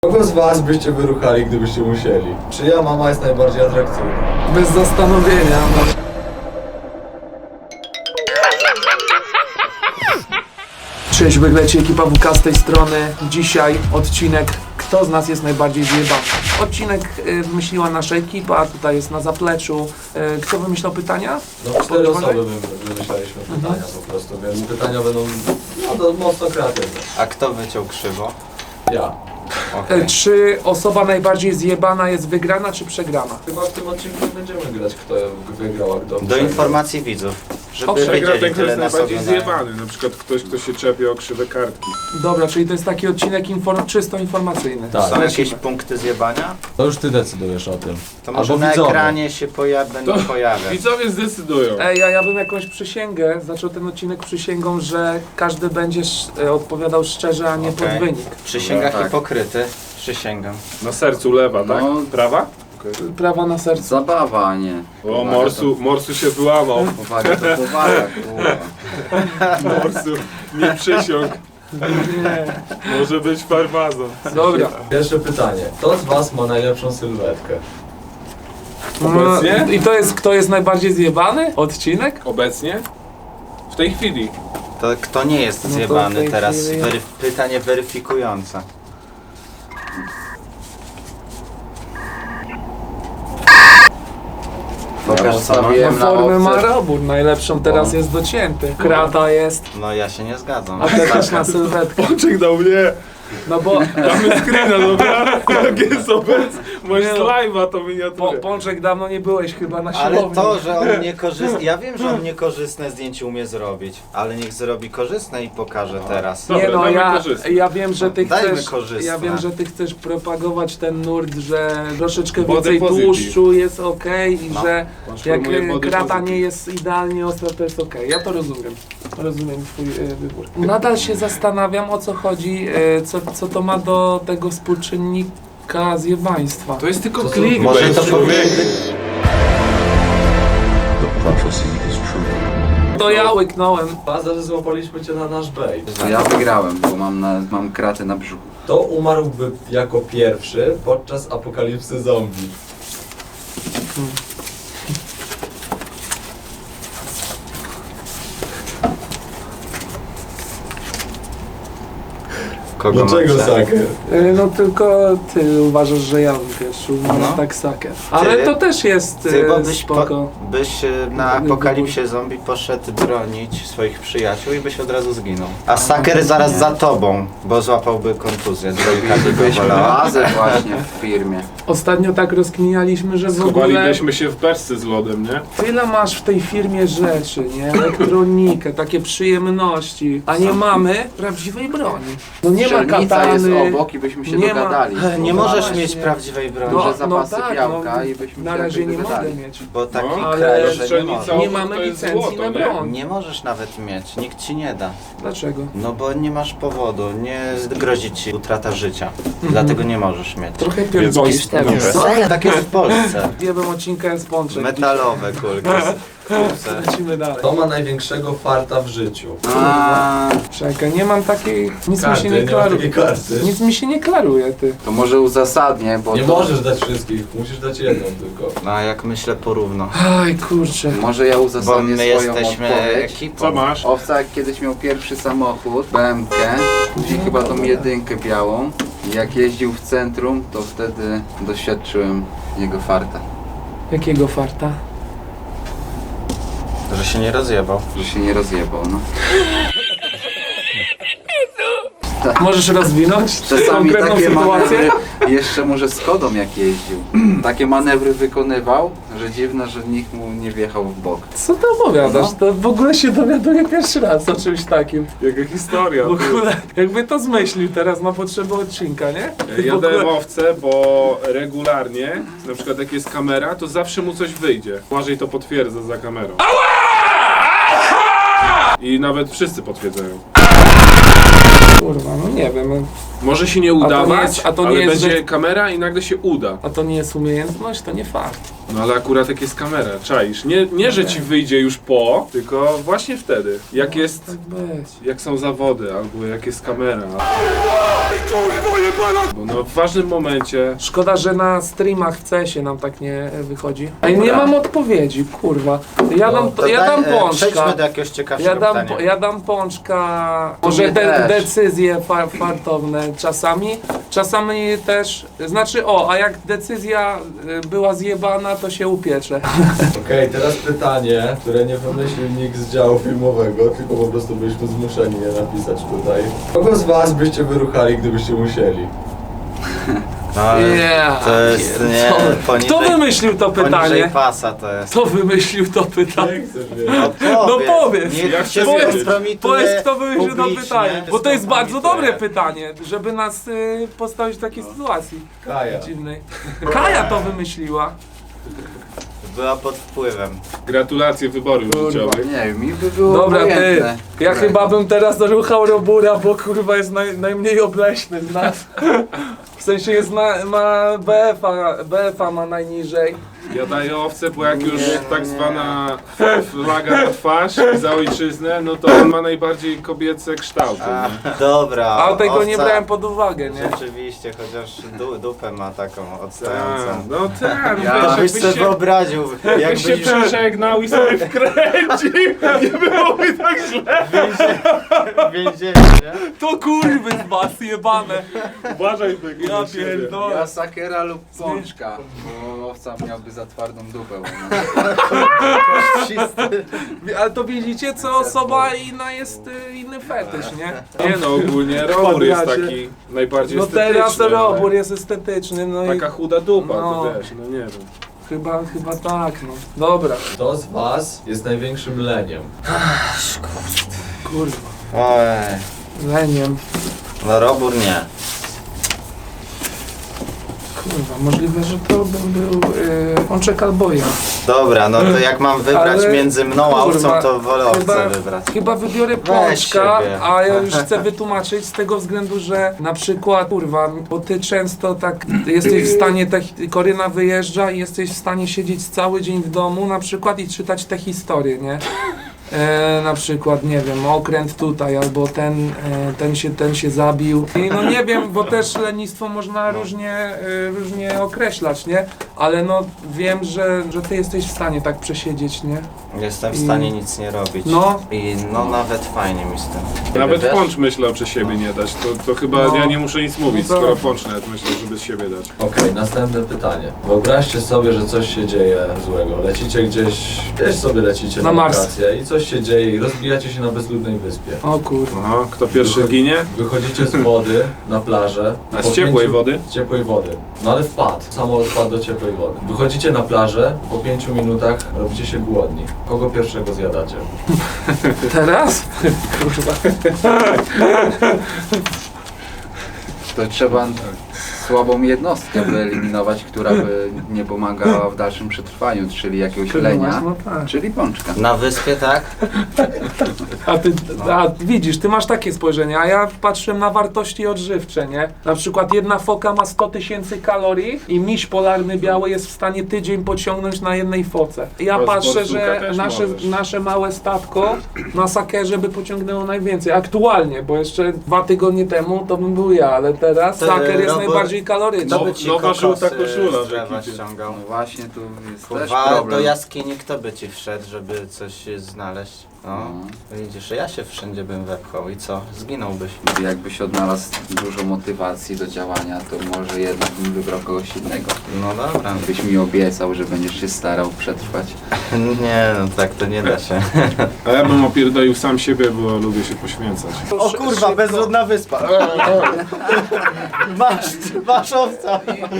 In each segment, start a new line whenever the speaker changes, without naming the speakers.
Kogo z was byście wyruchali, gdybyście musieli? Czyja mama jest najbardziej atrakcyjna?
Bez zastanowienia. Cześć, wygleci ekipa WK z tej strony. Dzisiaj odcinek Kto z nas jest najbardziej zjebany? Odcinek wymyśliła nasza ekipa, tutaj jest na zapleczu. Kto wymyślał pytania?
No 4 osoby wymyślaliśmy pytania po prostu, więc pytania będą to mocno kreatywne.
A kto wyciął krzywo?
Ja.
Okay.
Czy osoba najbardziej zjebana jest wygrana czy przegrana?
Chyba w tym odcinku będziemy grać, kto wygrał, a kto
Do
przegrał.
informacji widzów, żeby
Przegra
Przegra
wiedzieli
ten, kto
tyle
jest
nas
najbardziej
oglądają.
zjebany. Na przykład ktoś, kto się czepie o krzywe kartki.
Dobra, czyli to jest taki odcinek czysto informacyjny.
Tak.
Są jakieś
Lecimy.
punkty zjebania?
To już ty decydujesz o tym.
To może
Albo
na
widzowie.
ekranie się będą pojawiać.
Widzowie zdecydują.
Ej, ja bym jakąś przysięgę, zaczął ten odcinek przysięgą, że każdy będzie odpowiadał szczerze, a nie
Okej.
pod wynik.
Przysięga
Tak.
hipokryty. Przysięgam.
Na sercu lewa, tak?
No.
Prawa?
Prawa na sercu.
Zabawa, a nie.
O, Morsu się wyłamał.
Powaga to powaga, kurwa.
Morsu nie przysiąg.
Nie.
Może być farmazon.
Dobra.
Pierwsze pytanie. Kto z was ma najlepszą sylwetkę?
Obecnie?
I to jest, kto jest najbardziej zjebany? Odcinek?
Obecnie? W tej chwili.
To kto nie jest
No to w
zjebany
tej
teraz?
chwili-
Pytanie weryfikujące. Pokaż co no.
Wiem na
Formę ma
opcję.
robór, najlepszą teraz jest docięty. Krata jest,
No ja się nie zgadzam.
a ty też na sylwetkę.
Pączek dał mnie.
No bo
Damy screena, dobra? Jak jest obecny. Masz
Nie no.
live'a to miniaturę.
Pączek dawno nie byłeś chyba na
Ale
siłowni.
to, że on niekorzystne... Ja wiem, że on niekorzystne zdjęcie umie zrobić, ale niech zrobi korzystne i pokaże teraz.
Dobra,
Nie no,
damy
ja,
korzystne.
ja wiem, że ty
Dajmy
chcesz,
korzystne.
ja wiem, że ty chcesz propagować ten nurt, że troszeczkę
Body
więcej
positive.
tłuszczu jest okej i
No.
że jak
Transformuje body
krata
positive.
nie jest idealnie ostra, to jest okej. Ja to rozumiem. Rozumiem twój wybór. Nadal się zastanawiam, o co chodzi, co to ma do tego współczynnika zjebaństwa.
To jest tylko
To
klik.
Może to powinien...
To ja łyknąłem.
Bazę złapaliśmy cię na nasz bait.
Ja wygrałem, bo mam kratę na brzuchu.
Kto umarłby jako pierwszy podczas apokalipsy zombie?
Kogo
Dlaczego
macie?
Saker?
No tylko ty uważasz, że ja wiesz, umarł
No.
tak saker. Ale to też jest
Ty, bo byś,
spoko.
byś na apokalipsie zombie poszedł bronić swoich przyjaciół i byś od razu zginął. A Saker zaraz za tobą, bo złapałby kontuzję. Trójka by go
Byliśmy
bolała.
razem właśnie w firmie.
Ostatnio tak rozkminialiśmy, że w ogóle
Schowalibyśmy się w beczce z lodem, nie?
tyle masz w tej firmie rzeczy, nie? Elektronikę, takie przyjemności, a nie mamy prawdziwej broni. No nie ma
Strzelnica jest
katany.
obok i byśmy się
nie ma-
dogadali.
Nie
No
możesz
właśnie.
mieć prawdziwej broni,
Duże
No,
zapasy
tak,
białka
no,
i byśmy
na
się
razie
jakby
nie mogę
dogadali.
mieć.
bo taki
No,
ale
kraj, że nie
strzelnica
możesz.
Nie
obok
mamy
to jest
licencji
złoto,
na
nie?
broń.
Nie możesz nawet mieć, nikt ci nie da.
Dlaczego?
No bo nie masz powodu, nie grozi ci utrata życia. Dlatego nie możesz mieć.
Trochę
Więc
pierdolisz
jakiś
teraz.
Co? Tak jest w Polsce.
Jebem odcinka jest pączek.
Metalowe kulki. Kurce.
Lecimy dalej.
Kto ma największego farta w życiu?
A,
Czekaj, nie mam takiej... Nic
Karty,
mi się nie
nie ma takiej
klaruje.
karty.
Nic mi się nie klaruje, ty.
to może uzasadnię, bo
Nie
to,
możesz dać wszystkich, musisz dać jedną tylko.
No a jak myślę porówno.
Aj, kurczę.
może ja
Bo
uzasadnię
my
swoją
jesteśmy
odpowiedź.
Co
ekipą.
masz?
Owca kiedyś miał pierwszy samochód, BMW, później chyba tą jedynkę białą. I jak jeździł w centrum, to wtedy doświadczyłem jego farta,
Jakiego farta?
Że się nie rozjebał.
że się nie rozjebał, no.
Możesz rozwinąć
Czasami
konkretną
takie
sytuację?
manewry, jeszcze może z Kodą jak jeździł, takie manewry wykonywał, że dziwne, że nikt mu nie wjechał w bok.
Co ty opowiadasz?
No.
To w ogóle się dowiaduję pierwszy raz o czymś takim.
Jaka historia.
W ogóle, jakby to zmyślił teraz na potrzeby odcinka, nie? Ty w
Ja
ogóle-
dałem owce, bo regularnie, na przykład jak jest kamera, to zawsze mu coś wyjdzie. Błażej to potwierdza za kamerą. I nawet wszyscy potwierdzają.
Kurwa, no nie wiem.
Może się nie
to nie
udawać,
jest- a to nie
ale
jest,
będzie
że-
kamera i nagle się uda.
A to nie jest umiejętność, to nie fakt.
No ale akurat jak jest kamera, czaisz. Nie że ci wyjdzie już po, tylko właśnie wtedy. Jak jest,
Tak być.
jak są zawody, albo jak jest kamera. Bo no w ważnym momencie.
Szkoda, że na streamach w CS-ie nam tak nie wychodzi. Ej, nie mam odpowiedzi, kurwa. Ja dam
Przejdźmy
pączka.
do jakiegoś ciekawszego pytania.
Ja dam pączka. Może
mnie też.
decyzje fartowne czasami. Czasami też. Znaczy, a jak decyzja była zjebana, to się upiecze.
Okej, teraz pytanie, które nie wymyślił nikt z działu filmowego, tylko po prostu byliśmy zmuszeni je napisać tutaj. Kogo z was byście wyruchali, gdybyście musieli?
No, ale
Yeah,
to jest nie
pierdolę.
poniżej,
Kto wymyślił to
poniżej
pytanie?
pasa to jest.
Kto wymyślił to pytanie?
Jak chcesz wiedzieć?
No powiedz.
Niech
Jak
się
chcesz wiedzieć?
skompromituje
Powiedz, kto wymyślił to
publicznie,
pytanie, bo to jest bardzo
skompromituje.
dobre pytanie, żeby nas postawić w takiej sytuacji
Kaja.
dziwnej. Kaja to wymyśliła.
Była pod wpływem.
Gratulacje wyborów życiowych.
Nie wiem, mi by było
Dobra, ty,
obojętne.
ja
Którego.
chyba bym teraz doruchał Robura, bo kurwa jest najmniej obleśny z nas. W sensie jest ma BF-a ma najniżej.
Ja daję owce, bo jak już tak zwana flaga na twarz i za ojczyznę, no to on ma najbardziej kobiece kształty.
A,
nie?
dobra.
A tego nie
owca
brałem pod uwagę, nie?
Rzeczywiście, chociaż dupę ma taką
Tak,
odstającą.
no tak,
Ja
To byś
wiesz,
sobie
jakbyś się,
wyobraził,
jakbyś się przeżegnał i sobie wkręcił, nie byłoby tak źle.
w więzieniu, nie?
To kurwy z was jebane.
Uważaj tego
Ja
na siebie.
pierdolę.
Ja sakera lub pączka, bo owca miałby za twardą dupę.
Ale to widzicie, co osoba inna jest inny fetysz, nie?
Nie no, ogólnie Robur jest taki najbardziej
No
estetyczny.
teraz
ale
Robur jest estetyczny, no i
Taka chuda dupa,
No.
to wiesz, no nie wiem.
chyba tak, no. Dobra,
Kto z was jest największym leniem?
kurwa,
Oj,
leniem.
no Robur nie.
Kurwa, możliwe, że to bym był pączek albo ja.
Dobra, no to jak mam wybrać
Ale,
między mną a owcą,
kurwa,
to wolę owcę wybrać.
Chyba wybiorę
Weź
pączka,
siebie.
a ja już chcę wytłumaczyć z tego względu, że na przykład, kurwa, bo ty często tak jesteś w stanie, Koryna wyjeżdża i jesteś w stanie siedzieć cały dzień w domu na przykład i czytać te historie, nie? Na przykład, nie wiem, okręt tutaj, albo ten się zabił. I no nie wiem, bo też lenistwo można różnie określać, nie? Ale no wiem, że ty jesteś w stanie tak przesiedzieć, nie?
Jestem w stanie nic nie robić.
No.
I no nawet fajnie mi z tym.
Nawet
Wiesz?
Pącz myślał przez siebie nie dać, to chyba
No.
ja nie muszę nic mówić,
No tak.
skoro Pącz nawet myślał, żeby z siebie dać.
Okej, następne pytanie. Wyobraźcie sobie, że coś się dzieje złego. Lecicie gdzieś sobie lecicie
Na
na
Mars.
wakacje i coś się dzieje i rozbijacie się na bezludnej wyspie.
O kurwa.
No, kto pierwszy ginie?
Wychodzicie z wody na plażę.
A
Po
z ciepłej wody?
Z ciepłej wody. No ale wpadł. Samolot wpadł do ciepłej wody. Wychodzicie na plażę, po 5 minutach robicie się głodni. Kogo pierwszego zjadacie?
Teraz? Kurwa.
To trzeba słabą jednostkę wyeliminować, która by nie pomagała w dalszym przetrwaniu, czyli jakiegoś lenia,
No tak.
czyli pączka.
Na wyspie, tak?
A widzisz, ty masz takie spojrzenie, a ja patrzyłem na wartości odżywcze, nie? Na przykład jedna foka ma 100 000 kalorii i miś polarny biały jest w stanie tydzień pociągnąć na jednej foce. Ja
A z
patrzę,
borsuka
że
też możesz.
nasze małe statko na sakerze by pociągnęło najwięcej. Aktualnie, bo jeszcze 2 tygodnie temu to bym był ja, ale teraz
To,
saker jest
Robert,
najbardziej kaloryczny.
Kto by ci
Nowa
kokosy
żółta koszula
z drzewa
w ekipie.
ściągał?
No właśnie, tu jest też
Kurwa, do
problem.
jaskini kto by ci wszedł, żeby coś znaleźć? No, widzisz, ja się wszędzie bym wepchał i co? Zginąłbyś.
Jakbyś odnalazł dużo motywacji do działania, to może jednak bym wybrał kogoś innego.
No dobra.
Byś mi obiecał, że będziesz się starał przetrwać.
Nie, no tak to nie da się.
A ja bym opierdolił sam siebie, bo lubię się poświęcać.
O kurwa, bezludna wyspa. Masz owca.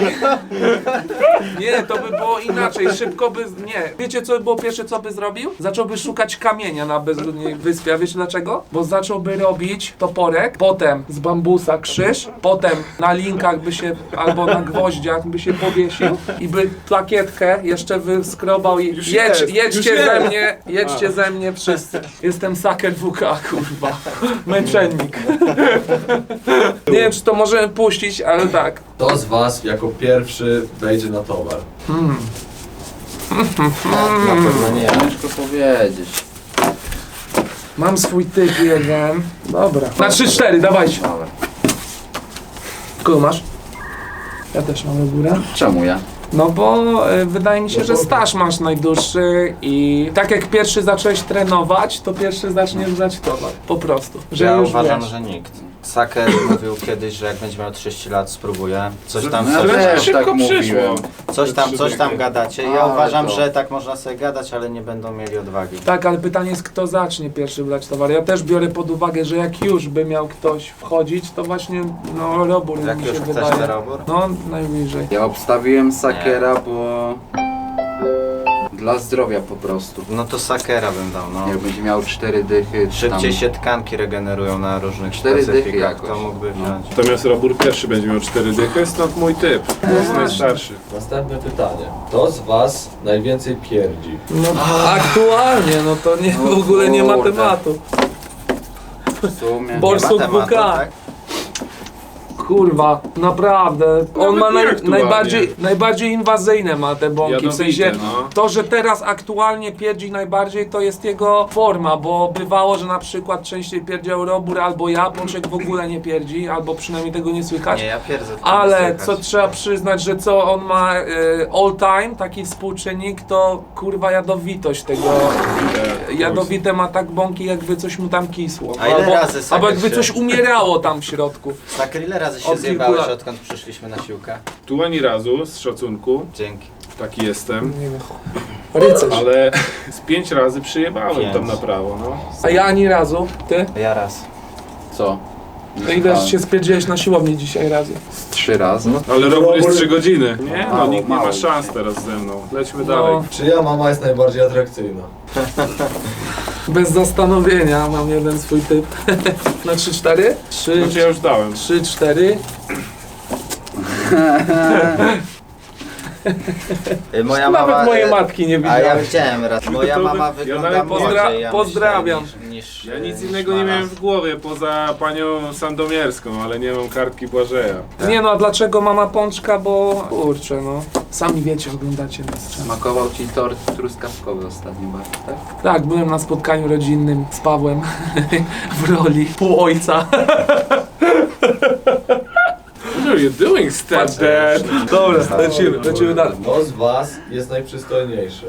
Nie, to by było inaczej, szybko by... Nie. Wiecie co by było pierwsze, co by zrobił? Zacząłby szukać kamienia na bezludnej wyspie, a wiecie dlaczego? Bo zacząłby robić toporek, potem z bambusa krzyż, potem na linkach by się, albo na gwoździach by się powiesił i by plakietkę jeszcze wyskrobał i
Już jest,
jedźcie
już
ze
jest.
mnie, jedźcie ze mnie wszyscy. Jestem saker WK, kurwa. Męczennik. Nie wiem, czy to możemy puścić, ale tak.
Kto z was jako pierwszy wejdzie na towar?
Na pewno nie.
Ciężko powiedzieć.
Mam swój typ jeden. Dobra. Na 3-4, dawajcie.
Dobra.
Kogo masz? Ja też mam górę.
Czemu ja?
No bo wydaje mi się, że staż masz najdłuższy i tak jak pierwszy zacząłeś trenować, to pierwszy zaczniesz brać towar. Po prostu. Że
Ja
już
uważam,
wiesz.
że nikt. Saker mówił kiedyś, że jak będzie miał 30 lat spróbuje. Coś tam
No,
sobie,
też
szybko
tak
przyszło.
mówiłem.
coś tam gadacie. Ja
Ale
uważam,
to-
że tak można sobie gadać, ale nie będą mieli odwagi.
Tak, ale pytanie jest, kto zacznie pierwszy brać towar. Ja też biorę pod uwagę, że jak już by miał ktoś wchodzić, to właśnie no robór
Jak
mi
już
się
chcesz
wydaje.
ten robór?
No najbliżej.
Ja obstawiłem Sakera, bo... Dla zdrowia po prostu.
No to Sakera bym dał, no.
Jak będzie miał 4 dychy, czy
Szybciej
tam...
się tkanki regenerują na różnych
4 dychy
specyfikach,
jakoś.
to mógłby
No.
wziąć.
Natomiast Robur pierwszy będzie miał 4 dychy, stąd mój typ. To jest najstarszy.
Następne pytanie. Kto z was najwięcej pierdzi?
No aktualnie, no to nie,
No
w ogóle nie ma
kurde.
tematu.
W sumie...
Borsuk
Nie ma tematu,
WK.
tak?
Kurwa, naprawdę. On ma
nie aktualnie.
najbardziej inwazyjne ma te bąki. W
Jadowite,
sensie
no.
to, że teraz aktualnie pierdzi najbardziej, to jest jego forma, bo bywało, że na przykład częściej pierdział Robur albo ja, Pączek w ogóle nie pierdzi, albo przynajmniej tego nie słychać.
Nie, ja pierdzę. to
Ale
nie
co
słychać.
trzeba przyznać, że co on ma all time, taki współczynnik, to kurwa jadowitość tego. Jadowite ma tak bąki, jakby coś mu tam kisło.
A ile razy Saker
albo jakby
się-
coś umierało tam w środku.
Saker, ile razy się
Od kilku
zjebałeś,
lat.
odkąd przyszliśmy na siłkę?
Tu ani razu, z szacunku,
Dzięki.
taki jestem.
Nie wiem. Rycerz.
Ale z 5 razy przyjebałem
5.
tam na prawo, no.
A ja ani razu. Ty?
Ja raz.
Co?
To ile się spierdziłeś na siłowni dzisiaj razy?
3 razy.
Ale Robur jest 3 godziny. Nie, no
Mało,
nikt nie ma
mało
szans
dzisiaj.
teraz ze mną. Lećmy
No.
dalej.
Czyja mama jest najbardziej atrakcyjna?
Bez zastanowienia mam jeden swój typ. Na 3-4? 3,
Znaczy ja już dałem.
3-4.
Moja
Nawet
mama...
mojej matki nie
A ja
widziałeś.
widziałem raz. Moja
To
mama
ja
wygląda
nawet
młodziej, ja
pozdrawiam.
myślę, niż
Ja nic
niż
innego nie
mama.
miałem w głowie poza panią Sandomierską, ale nie mam kartki Błażeja.
Nie no, a dlaczego mama Pączka? Bo kurczę no. Sami wiecie, oglądacie nas często.
Smakował ci tort truskawkowy ostatnio bardzo, tak?
Tak, byłem na spotkaniu rodzinnym z Pawłem w roli półojca.
What are you doing, stepdad?
Dobra, lecimy dalej.
Kto z was jest najprzystojniejszy?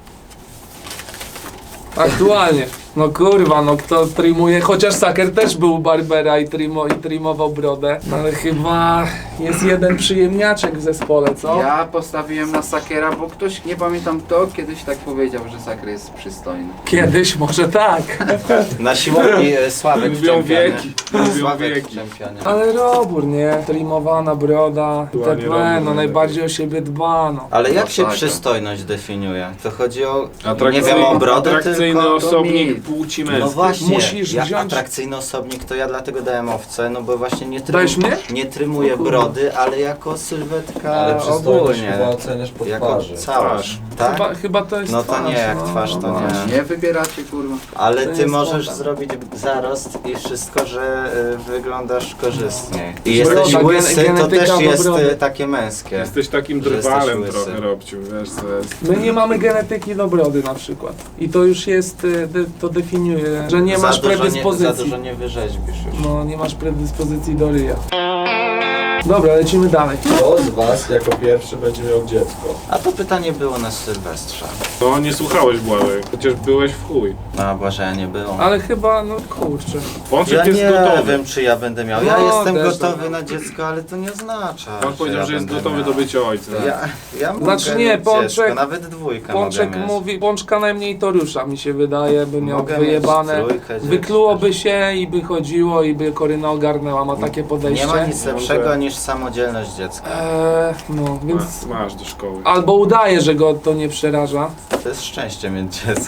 Aktualnie. No kurwa, no kto trimuje, chociaż Saker też był u barbera i trimował brodę, no ale chyba jest jeden przyjemniaczek w zespole, co?
Ja postawiłem na Sakera, bo ktoś, nie pamiętam kto, kiedyś tak powiedział, że Saker jest przystojny.
Kiedyś może tak,
Na siłowni Sławek w
Mówią
czempionie.
wieki. Mówią
Sławek w
wieki.
czempionie.
ale Robór, nie? Trimowana broda,
Aktualnie
TP,
Robór
no najbardziej o siebie dba, no.
Ale jak
No
się
tak.
przystojność definiuje? To chodzi o, nie
Atrakcyjny,
wiem, o brodę
atrakcyjny
tylko...
osobnik
mit.
płci
No
męskiej.
właśnie,
Musisz
ja
wziąć-
atrakcyjny osobnik to ja dlatego dałem owce, no bo właśnie nie,
Dajesz mnie?
nie trymuję
O kurde.
brody, ale jako sylwetka
Ale przystojność
ogólnie.
chyba oceniasz po
Jako
twarzy.
całość, tak?
Chyba to jest
No to
twarz,
nie, jak twarz to nie.
Nie wybieracie, kurwa.
Ale
To
ty
jest
możesz
moda.
zrobić zarost i wszystko, że wyglądasz korzystniej. I
Broda,
jesteś łysy, to
genetyka
też
do
jest
brody.
takie męskie.
Jesteś takim
Że jesteś
drwalem
łysy.
trochę, Robciu, wiesz co jest.
My nie mamy genetyki do brody na przykład. I to już jest, to definiuje, że nie masz
Za dużo
predyspozycji.
nie wyrzeźbisz już.
No, nie masz predyspozycji do ryja. Dobra, lecimy dalej.
Kto z was jako pierwszy będzie miał dziecko?
A to pytanie było na Sylwestrze.
No nie słuchałeś Błażej, chociaż byłeś w chuj.
No, Błażeja nie było.
Ale chyba, no kurczę.
Pączek
Ja
jest
nie
gotowy.
wiem, czy ja będę miał. Ja
No,
jestem
też
gotowy
tak.
na dziecko, ale to nie oznacza,
On powiedział,
ja
że jest
będę
gotowy
miał.
do bycia ojcem.
Ja mogę
Znaczy nie,
mieć
Pączek-
dziecko, nawet dwójkę
Pączek
mogę mieć.
mówi, Pączka najmniej to rusza, mi się wydaje, by miał
Mogę
wyjebane.
mieć trójkę dzieci
Wyklułoby
też.
się i by chodziło i by Koryna ogarnęła, ma takie podejście.
Nie ma nic
Może-
lepszego niż samodzielność dziecka.
No, więc
Masz do szkoły.
albo udaje, że go to nie przeraża.
To jest szczęście mieć dziecko.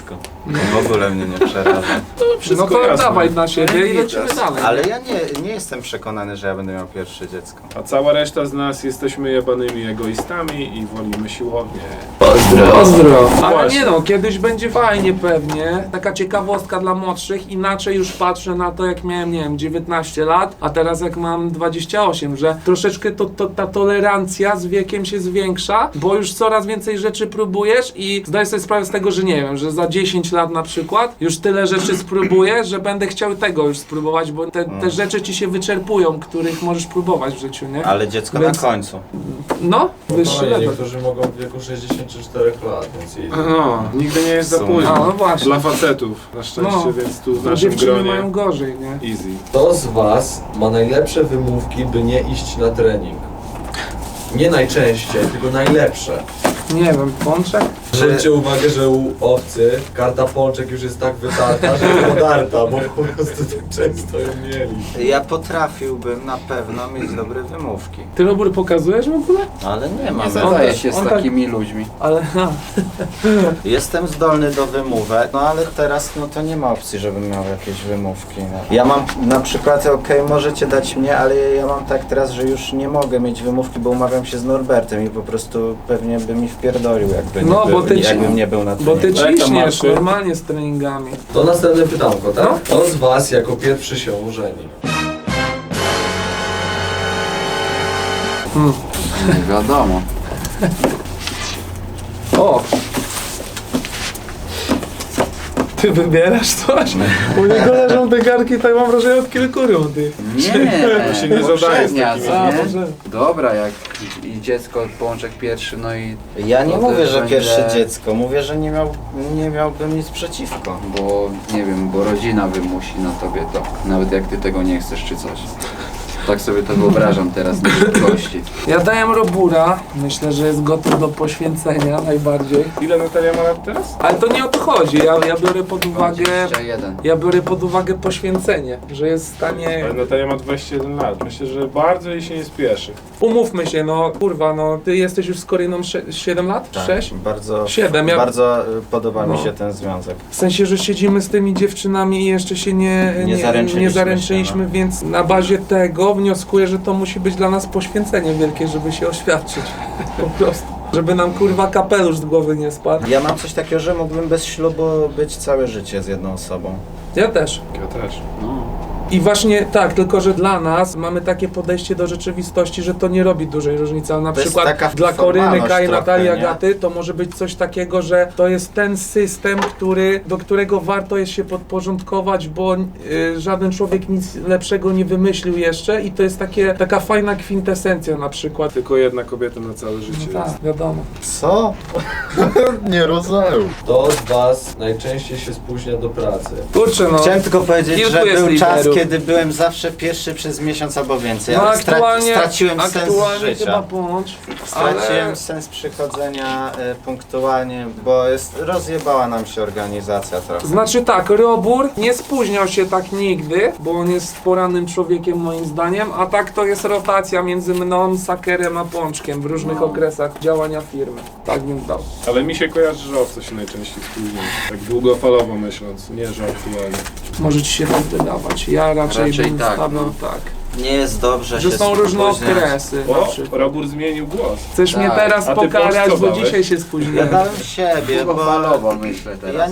W ogóle mnie nie przeraża.
No to
jasne.
dawaj na siebie i lecimy dalej.
Ale ja nie jestem przekonany, że ja będę miał pierwsze dziecko.
A cała reszta z nas jesteśmy jebanymi egoistami i wolimy siłownię.
Pozdro. Ale
Właśnie.
nie no, kiedyś będzie fajnie pewnie. Taka ciekawostka dla młodszych. Inaczej już patrzę na to, jak miałem, nie wiem, 19 lat, a teraz jak mam 28, że troszeczkę ta tolerancja z wiekiem się zwiększa, bo już coraz więcej rzeczy próbujesz i zdaj sobie sprawę z tego, że nie wiem, że za 10 lat na przykład już tyle rzeczy spróbuję, że będę chciał tego już spróbować, bo te rzeczy ci się wyczerpują, których możesz próbować w życiu, nie?
Ale dziecko
Więc-
na końcu.
No, wyższy
Spokojnie,
level.
niektórzy mogą w wieku 64 lat, więc
No, nigdy nie jest za
Są.
późno.
A, no właśnie.
Dla facetów, na szczęście,
No.
więc tu w
Bo
naszym
dziewczyny
gronie
mają gorzej, nie?
easy.
Kto z was ma najlepsze wymówki, by nie iść na trening? Nie najczęściej, tylko najlepsze.
Nie wiem, pączek?
Zwróćcie uwagę, że u owcy karta pączek już jest tak wytarta, że podarta, bo po prostu tak często ją mieli.
Ja potrafiłbym na pewno mieć dobre wymówki.
Ty, Robur, pokazujesz w ogóle?
Ale nie mam.
Nie zadaję
też-
się z
on tak-
takimi ludźmi.
Ale
Jestem zdolny do wymówek, no ale teraz no to nie ma opcji, żebym miał jakieś wymówki. No. Ja mam na przykład, okej, możecie dać mnie, ale ja mam tak teraz, że już nie mogę mieć wymówki, bo umawiam się z Norbertem i po prostu pewnie by mi wpierdolił, jakby nie,
No, bo ty
jakbym nie był na
bo ty
treningu.
Jak tam
ciśniesz
marszy?
normalnie z treningami.
To następne pytanko, tak?
No.
Kto z was jako pierwszy się ożeni?
Nie wiadomo.
O! Ty wybierasz coś? U niego leżą te garki, tak mam wrażenie, od kilku rundy.
Nie,
się nie zadaje z
poprzednia,
takimi
co
A,
nie?
może.
Dobra, jak i dziecko, pączek pierwszy, no i...
Ja nie
to
mówię,
też
że
będzie-
pierwsze dziecko, mówię, że nie miałbym nic przeciwko.
Bo, nie wiem, bo rodzina wymusi na tobie to. Nawet jak ty tego nie chcesz, czy coś. Tak sobie to wyobrażam teraz na szybkości.
Ja daję Robura, myślę, że jest gotów do poświęcenia najbardziej.
Ile Natalia ma lat teraz?
Ale to nie o to chodzi, ja biorę pod uwagę...
21.
Ja biorę pod uwagę poświęcenie, że jest w stanie...
Ale Natalia ma 21 lat. Myślę, że bardzo jej się nie spieszy.
Umówmy się, no kurwa, no ty jesteś już z Koryną 7 lat? 6?
Bardzo,
7, ja...
bardzo podoba mi
No.
się ten związek.
W sensie, że siedzimy z tymi dziewczynami i jeszcze się nie zaręczyliśmy,
się, no.
więc na bazie tego wnioskuję, że to musi być dla nas poświęcenie wielkie, żeby się oświadczyć. Po prostu. Żeby nam kurwa kapelusz z głowy nie spadł.
Ja mam coś takiego, że mógłbym bez ślubu być całe życie z jedną osobą.
Ja też.
Ja też.
No.
I właśnie tak, tylko że dla nas mamy takie podejście do rzeczywistości, że to nie robi dużej różnicy, ale na
To jest
przykład
taka
dla Koryny,
formalność
Kai,
trochę,
Natalii,
nie?
Agaty to może być coś takiego, że to jest ten system, do którego warto jest się podporządkować, bo żaden człowiek nic lepszego nie wymyślił jeszcze i to jest taka fajna kwintesencja na przykład.
Tylko jedna kobieta na całe życie
No
jest.
tak, wiadomo.
Co? nie rozumiem.
Kto z was najczęściej się spóźnia do pracy?
Kurczę no.
Chciałem tylko powiedzieć,
Kilku
że
jest
był czas,
liderów.
kiedy byłem zawsze pierwszy przez miesiąc albo więcej,
No
ale straciłem sens
aktualnie chyba
życia.
ponoć,
Straciłem
ale...
sens przychodzenia punktualnie, bo rozjebała nam się organizacja trochę.
Znaczy tak, Robur nie spóźniał się tak nigdy, bo on jest porannym człowiekiem moim zdaniem, a tak to jest rotacja między mną, Sakerem a Pączkiem w różnych okresach działania firmy. Tak bym dał.
Ale mi się kojarzy, że owce się najczęściej spóźnia. Tak długofalowo myśląc, nie że aktualnie.
Może ci się tak wydawać. Ja raczej bym
tak,
stawiał
no.
tak.
Nie jest dobrze
Że
się
są różne
spóźniać.
okresy na
O,
przykład.
Robur zmienił głos.
Chcesz mnie
Tak.
teraz
A ty
pokarać,
Pącz co
bo
dałeś?
dzisiaj się
Ja
spóźniłem.
dałem siebie, bo
Długofalowo myślę
ja
teraz.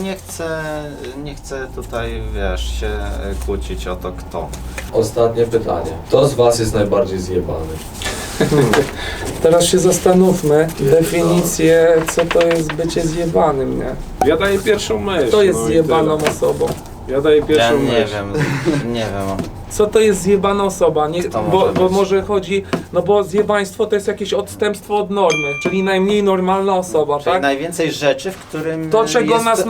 nie chcę tutaj, wiesz, się kłócić o to kto.
Ostatnie pytanie. Kto z was jest najbardziej zjebany?
Teraz się zastanówmy, definicję, co to jest bycie zjebanym, nie?
Ja daję pierwszą myśl.
Kto jest
no i
zjebaną
tyle.
osobą?
Ja daję
Ja
pierwszą
nie
myśl.
wiem, nie wiem.
Co to jest zjebana osoba? Nie,
To
bo
może być.
może chodzi, no bo zjebaństwo to jest jakieś odstępstwo od normy, czyli najmniej normalna osoba,
Czyli
tak?
najwięcej rzeczy, w którym
To, czego
jest
nas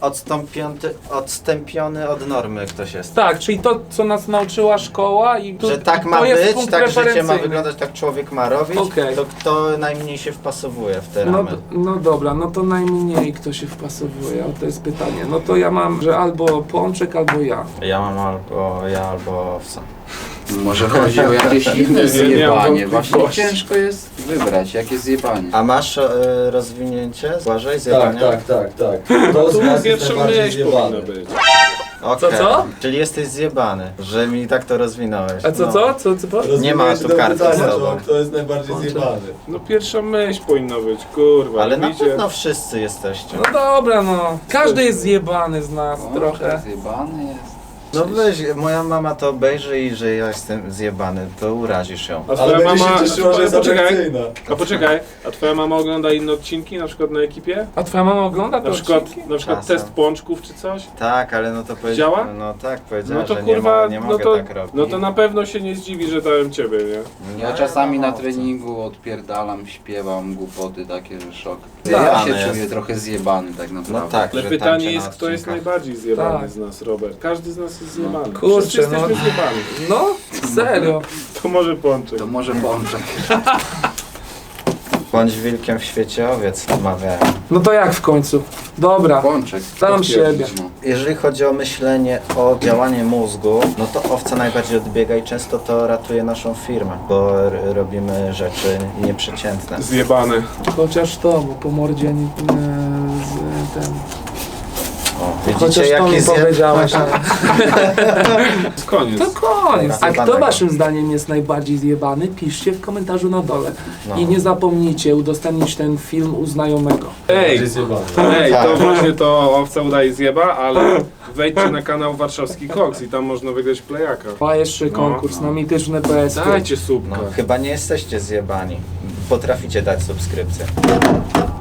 odstąpiony od normy ktoś jest.
Tak, czyli to, co nas nauczyła szkoła i
Że tak
to
ma
jest
być,
punkt
tak życie ma
referencyjny.
wyglądać, tak człowiek ma robić,
Okej.
to kto najmniej się wpasowuje w te
No,
ramy.
no dobra, no to najmniej kto się wpasowuje, o to jest pytanie. No to ja mam, że albo Pączek, albo ja.
Ja mam albo owca.
Może chodzi o jakieś inne
Nie
zjebanie.
mam
Właśnie
wątpliwości.
ciężko jest wybrać, jakie zjebanie.
A masz rozwinięcie? Błażej,
Tak,
zjebania?
tak. To z
Tu
was jest
pierwsza
najbardziej
myśl powinna
zjebany.
być.
Okej.
Co?
Czyli jesteś zjebany, że mi tak to rozwinąłeś.
A co,
No.
co?
Nie ma tu karty z tobą.
Kto jest najbardziej zjebany?
No pierwsza myśl powinna być, kurwa.
Ale na
widzicie?
pewno wszyscy jesteście.
No dobra, no. Każdy jest zjebany z nas
O,
trochę.
Zjebany jest.
No weź, moja mama to obejrzy i że ja jestem zjebany, to urazisz ją.
A
Ale
twoja
będzie
mama...
się cieszyła, że jest
poczekaj,
atrakcyjna.
poczekaj, a twoja mama ogląda inne odcinki, na przykład na ekipie?
A twoja mama ogląda te
Na przykład
Czasem.
test pączków czy coś?
Tak, ale no to
Działa?
No tak, powiedziała,
No to
że
kurwa,
nie
no
mogę
to,
tak robić.
no to na pewno się nie zdziwi, że dałem ciebie, nie?
Ja czasami na
co?
treningu odpierdalam, śpiewam głupoty takie, że szok.
Tak.
Ja się
Zjebany
czuję
jest.
trochę zjebany tak naprawdę.
No tak,
Ale
że
pytanie
tańczę
jest,
na
kto jest
odcinkach.
najbardziej zjebany
Tak.
z nas, Robert. Każdy z nas jest zjebany.
Kurczę,
Wszyscy jesteśmy
no.
zjebani.
No, serio.
To może pączek.
To może pączek.
Bądź wilkiem w świecie owiec, mawiają.
No to jak w końcu? Dobra,
Pączek.
dam siebie.
No.
Jeżeli chodzi o myślenie o działaniu mózgu, no to owca najbardziej odbiega i często to ratuje naszą firmę, bo robimy rzeczy nieprzeciętne.
Zjebany.
Chociaż to, bo po mordzie nie, z ten...
O,
Chociaż
widzicie
to mi
jaki
powiedziałeś.
Z koniec.
To koniec. A kto
Zjebanego.
waszym zdaniem jest najbardziej zjebany? Piszcie w komentarzu na dole.
No.
I nie zapomnijcie udostępnić ten film u znajomego.
Ej,
Bardziej zjebany.
ej, to
Tak.
właśnie to owca udaje zjeba, ale wejdźcie na kanał Warszawski Koks i tam można wygrać plejaka.
A jeszcze konkurs na mityczne PS.
Dajcie słupka.
No, chyba nie jesteście zjebani. Potraficie dać subskrypcję.